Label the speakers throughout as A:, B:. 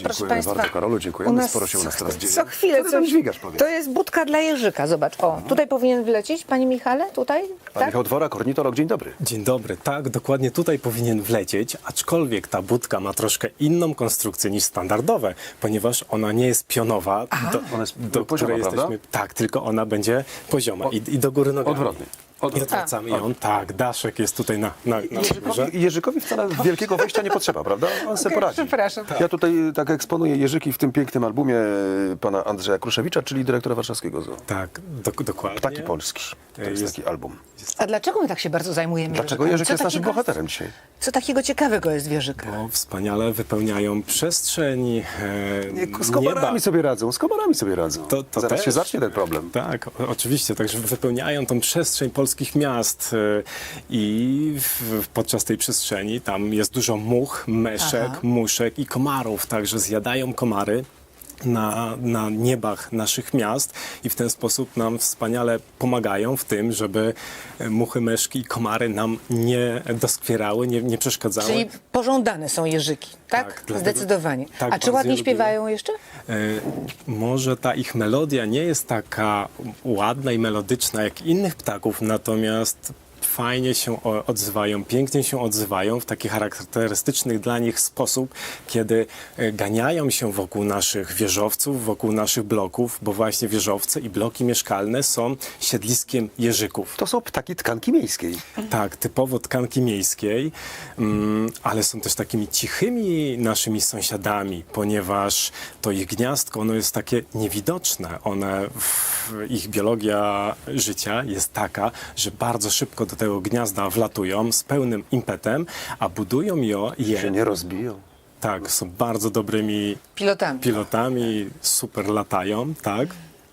A: Proszę
B: Dziękujemy bardzo, Karolu, dziękujemy. Sporo się u nas teraz dzieje.
A: Co chwilę,
B: Co ty tam dźwigasz, powiedz?
A: to jest budka dla jeżyka, zobacz. O, tutaj powinien wlecieć, panie Michale, tutaj?
B: Pan
A: Tak?
B: Michał Dworak, ornitolog, dzień dobry.
C: Dzień dobry, tak, dokładnie tutaj powinien wlecieć, aczkolwiek ta budka ma troszkę inną konstrukcję niż standardowe, ponieważ ona nie jest pionowa,
B: Ona jest
C: do
B: pozioma,
C: której
B: prawda?
C: jesteśmy. Tak, tylko ona będzie pozioma i do góry nogami.
B: Odwrotnie.
C: I odwracamy ją, tak, daszek jest tutaj na górze.
B: Jeżykowi wcale wielkiego wejścia nie potrzeba, prawda? On sobie poradzi.
A: przepraszam.
B: Ja tutaj tak eksponuję jeżyki w tym pięknym albumie pana Andrzeja Kruszewicza, czyli dyrektora warszawskiego zoo.
C: Tak, dokładnie.
B: Ptaki Polski. To jest taki album.
A: A dlaczego my tak się bardzo zajmujemy
B: Dlaczego
A: jeżykami?
B: jeżyk
A: Co
B: jest naszym
A: takiego-
B: bohaterem dzisiaj?
A: Co takiego ciekawego jest w jeżyku?
C: Bo wspaniale wypełniają przestrzeń
B: Z komarami
C: nieba.
B: sobie radzą, z komarami sobie radzą.
C: To
B: Zaraz
C: też.
B: się zacznie ten problem.
C: Tak, oczywiście, także wypełniają tą przestrzeń polskich miast i podczas tej przestrzeni tam jest dużo much, meszek, muszek i komarów, także zjadają komary na niebach naszych miast i w ten sposób nam wspaniale pomagają w tym, żeby muchy, meszki i komary nam nie doskwierały, nie przeszkadzały.
A: Czyli pożądane są jeżyki, tak?
C: Tak, dlatego-
A: Zdecydowanie.
C: tak,
A: A czy
C: bardzo
A: ładnie
C: je
A: śpiewają jeszcze?
C: Może ta ich melodia nie jest taka ładna i melodyczna jak innych ptaków, natomiast fajnie się odzywają, pięknie się odzywają w taki charakterystyczny dla nich sposób, kiedy ganiają się wokół naszych wieżowców, wokół naszych bloków, bo właśnie wieżowce i bloki mieszkalne są siedliskiem jeżyków.
B: To są ptaki tkanki miejskiej.
C: Tak, typowo tkanki miejskiej, ale są też takimi cichymi naszymi sąsiadami, ponieważ to ich gniazdko, ono jest takie niewidoczne. Ich biologia życia jest taka, że bardzo szybko do tego gniazda wlatują z pełnym impetem, a budują
B: Się nie rozbiją.
C: tak, są bardzo dobrymi
A: Pilotami.
C: pilotami, super latają, tak.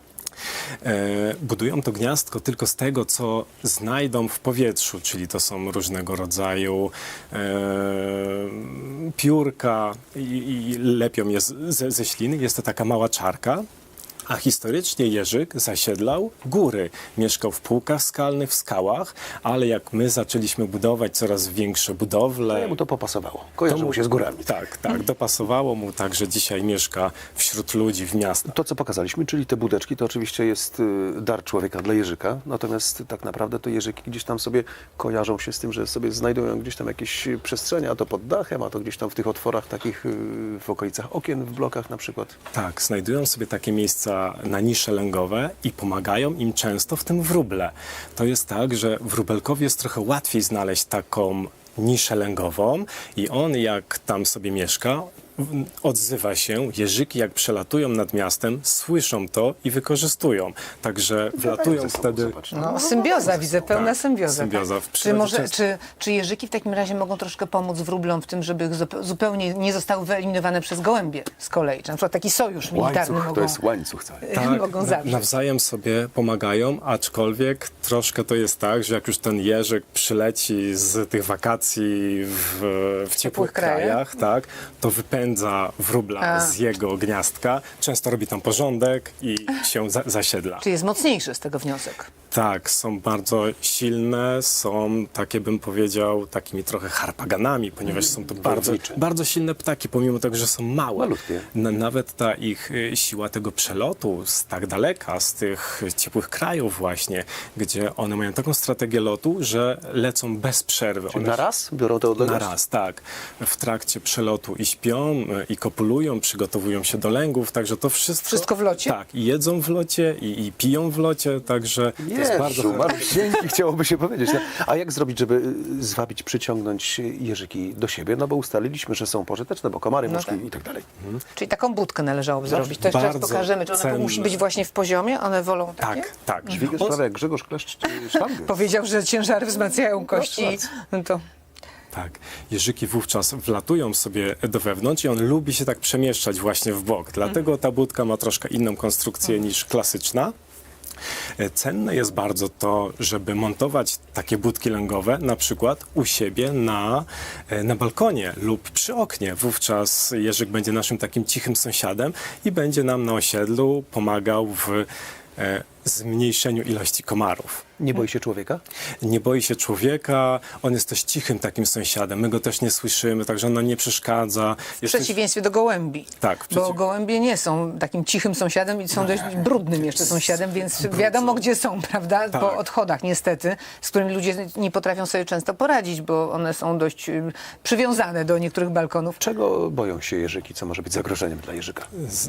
C: Budują to gniazdko tylko z tego, co znajdą w powietrzu, czyli to są różnego rodzaju piórka i lepią je ze śliny. Jest to taka mała czarka. A historycznie jeżyk zasiedlał góry. Mieszkał w półkach skalnych, w skałach, ale jak my zaczęliśmy budować coraz większe budowle...
B: Jemu to popasowało. Kojarzy mu się z górami.
C: Tak, dopasowało mu tak, że dzisiaj mieszka wśród ludzi w miastach.
B: To, co pokazaliśmy, czyli te budeczki, to oczywiście jest dar człowieka dla jeżyka, natomiast tak naprawdę to jeżyki gdzieś tam sobie kojarzą się z tym, że sobie znajdują gdzieś tam jakieś przestrzenie, a to pod dachem, a to gdzieś tam w tych otworach takich w okolicach okien, w blokach na przykład.
C: Tak, znajdują sobie takie miejsca na nisze lęgowe i pomagają im często w tym wróble. To jest tak, że wróbelkowi jest trochę łatwiej znaleźć taką niszę lęgową i on jak tam sobie mieszka, odzywa się, jeżyki jak przelatują nad miastem, słyszą to i wykorzystują. Także wlatują wtedy...
B: Zobacz,
A: No, symbioza, widzę, pełna
C: Tak,
A: symbioza.
C: symbioza.
A: Tak?
C: W
A: Czy,
C: przyrodzie
A: może,
C: często-
A: czy jeżyki w takim razie mogą troszkę pomóc wróblom w tym, żeby ich zupełnie nie zostały wyeliminowane przez gołębie z kolei? Czy na przykład taki sojusz militarny
B: łańcuch,
A: mogą,
B: to jest łańcuch cały.
A: mogą zawrzeć?
C: Nawzajem sobie pomagają, aczkolwiek troszkę to jest tak, że jak już ten jeżyk przyleci z tych wakacji w ciepłych krajach, tak, to wypędza wróbla z jego gniazdka, często robi tam porządek i się zasiedla.
A: Czy jest mocniejszy z tego wniosek?
C: Tak, są bardzo silne, są takie, bym powiedział, takimi trochę harpaganami, ponieważ są to
B: Wojownicze.
C: bardzo silne ptaki, pomimo tego, że są małe.
B: Malutkie.
C: Nawet ta ich siła tego przelotu z tak daleka, z tych ciepłych krajów właśnie, gdzie one mają taką strategię lotu, że lecą bez przerwy.
B: Czyli
C: One
B: na raz biorą tę odległość?
C: na raz, tak. W trakcie przelotu i śpią, i kopulują, przygotowują się do lęgów, także to wszystko...
A: Wszystko w locie?
C: Tak, i jedzą w locie, i piją w locie, także to jest bardzo...
B: Jezu, malusieńki, chciałoby się powiedzieć. No. A jak zrobić, żeby zwabić, przyciągnąć jeżyki do siebie? No bo ustaliliśmy, że są pożyteczne, bo komary, muszki
A: tak.
B: i tak dalej.
A: Czyli taką budkę należałoby zrobić. To jeszcze raz
C: bardzo
A: pokażemy. Czy ona
C: cenne.
A: musi być właśnie w poziomie? One wolą takie?
C: Tak.
B: Dźwigasz prawie jak Grzegorz Kleszcz sztangę.
A: Powiedział, że ciężary wzmacniają kości. No to...
C: Tak, jeżyki wówczas wlatują sobie do wewnątrz i on lubi się tak przemieszczać właśnie w bok. Dlatego ta budka ma troszkę inną konstrukcję niż klasyczna. Cenne jest bardzo to, żeby montować takie budki lęgowe na przykład u siebie na balkonie lub przy oknie. Wówczas jeżyk będzie naszym takim cichym sąsiadem i będzie nam na osiedlu pomagał w zmniejszeniu ilości komarów.
B: Nie boi się człowieka?
C: Nie boi się człowieka, on jest też cichym takim sąsiadem, my go też nie słyszymy, także on nam nie przeszkadza.
A: W przeciwieństwie do gołębi.
C: Tak,
A: Bo gołębie nie są takim cichym sąsiadem i są dość brudnym jeszcze sąsiadem, więc wiadomo gdzie są, prawda?
C: Tak.
A: Po odchodach niestety, z którymi ludzie nie potrafią sobie często poradzić, bo one są dość przywiązane do niektórych balkonów.
B: Czego boją się jeżyki? Co może być zagrożeniem dla jeżyka?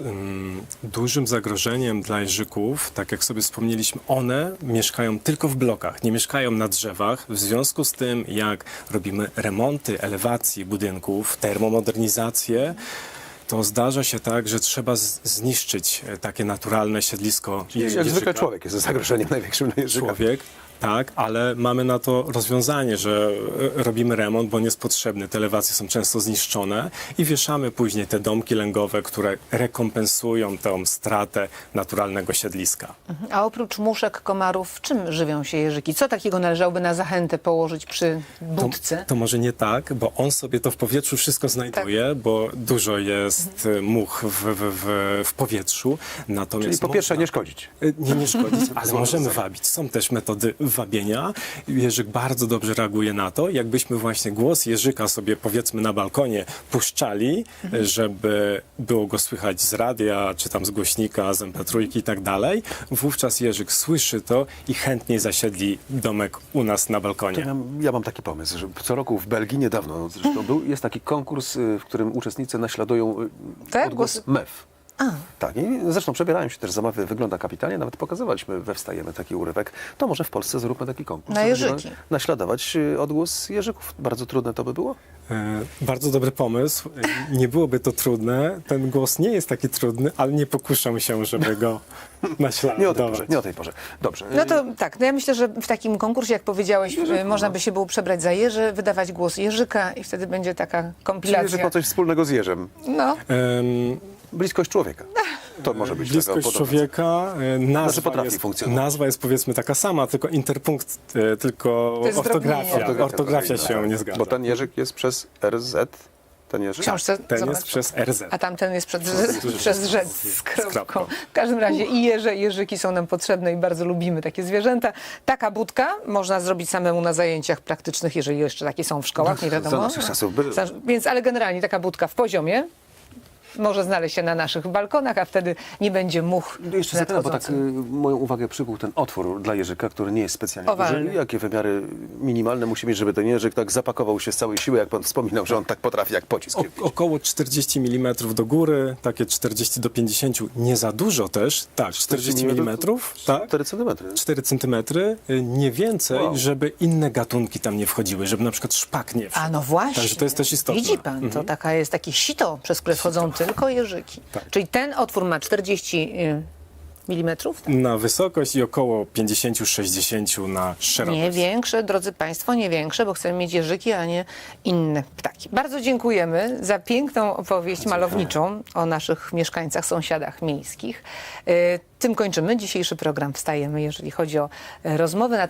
C: Dużym zagrożeniem dla jeżyków, tak jak sobie wspomnieliśmy, one mieszkają tylko w blokach, nie mieszkają na drzewach. W związku z tym, jak robimy remonty elewacji budynków, termomodernizację, to zdarza się tak, że trzeba zniszczyć takie naturalne siedlisko
B: Jak
C: jeżyka.
B: zwykle człowiek jest zagrożeniem największym dla jeżyka.
C: Człowiek, tak, ale mamy na to rozwiązanie, że robimy remont, bo on jest potrzebny. Te elewacje są często zniszczone i wieszamy później te domki lęgowe, które rekompensują tę stratę naturalnego siedliska.
A: A oprócz muszek, komarów, czym żywią się jeżyki? Co takiego należałoby na zachętę położyć przy budce?
C: To może nie tak, bo on sobie to w powietrzu wszystko znajduje, bo dużo jest much w powietrzu. Natomiast
B: Czyli po pierwsze nie szkodzić.
C: Nie szkodzić, ale możemy wabić. Są też metody wabienia. Jeżyk bardzo dobrze reaguje na to. Jakbyśmy właśnie głos jeżyka sobie powiedzmy na balkonie puszczali, żeby było go słychać z radia, czy tam z głośnika, z MP3 i tak dalej, wówczas jeżyk słyszy to i chętniej zasiedli domek u nas na balkonie.
B: Ja mam taki pomysł, że co roku w Belgii, niedawno zresztą był, jest taki konkurs, w którym uczestnicy naśladują
A: Tak?
B: odgłos MEF. Tak, i zresztą przebierają się też zabawy, wygląda kapitalnie, nawet pokazywaliśmy we Wstajemy taki urywek. To może w Polsce zróbmy taki konkurs.
A: Na
B: Będziemy
A: jeżyki.
B: Naśladować odgłos jeżyków. Bardzo trudne to by było?
C: Bardzo dobry pomysł. Nie byłoby to trudne. Ten głos nie jest taki trudny, ale nie pokuszam się, żeby go naśladować.
B: Nie o tej porze. Dobrze.
A: No to tak, no ja myślę, że w takim konkursie, jak powiedziałeś, można by się było przebrać za jeży, wydawać głos jeżyka i wtedy będzie taka
B: Czyli
A: kompilacja.
B: jeżyk ma coś wspólnego z jeżem.
A: No.
B: Bliskość człowieka. To może być
C: Bliskość
B: tego podobne.
C: człowieka,
B: potrafi funkcjonować.
C: nazwa jest powiedzmy taka sama, tylko interpunkt, tylko
A: To jest
C: ortografia.
A: zdrobnienie.
C: Ortografia się nie zgadza.
B: Bo ten jeżyk jest przez RZ. Ten
A: W
B: jeżyk?
A: książce
C: Ten
A: zobacz.
C: jest przez RZ.
A: A tamten jest przez rzec z kropką.
C: kropką.
A: W każdym razie i jeże, i jeżyki są nam potrzebne i bardzo lubimy takie zwierzęta. Taka budka można zrobić samemu na zajęciach praktycznych, jeżeli jeszcze takie są w szkołach, nie wiadomo.
B: za naszych czasów były.
A: Więc, ale generalnie taka budka w poziomie może znaleźć się na naszych balkonach, a wtedy nie będzie much
B: Jeszcze zapytam, bo tak
A: nadchodzących.
B: moją uwagę przykuł ten otwór dla jeżyka, który nie jest specjalnie
A: Owalny.
B: duży. Jakie wymiary minimalne musi mieć, żeby ten jeżyk tak zapakował się z całej siły, jak pan wspominał, że on tak potrafi jak pocisk.
C: Około 40 mm do góry, takie 40 do 50, nie za dużo też, tak, 40 mm, tak,
B: 4 centymetry.
C: 4 cm, nie więcej,
B: Wow.
C: żeby inne gatunki tam nie wchodziły, żeby na przykład szpak nie wszedł.
A: A no właśnie.
C: Także to jest też istotne.
A: Widzi pan, to taka jest takie sito, przez które wchodzą tylko jeżyki.
C: Tak.
A: Czyli ten otwór ma 40 milimetrów?
C: Na wysokość i około 50-60 na szerokość.
A: Nie większe, drodzy Państwo, nie większe, bo chcemy mieć jeżyki, a nie inne ptaki. Bardzo dziękujemy za piękną opowieść malowniczą o naszych mieszkańcach, sąsiadach miejskich. Tym kończymy dzisiejszy program Wstajemy, jeżeli chodzi o rozmowy na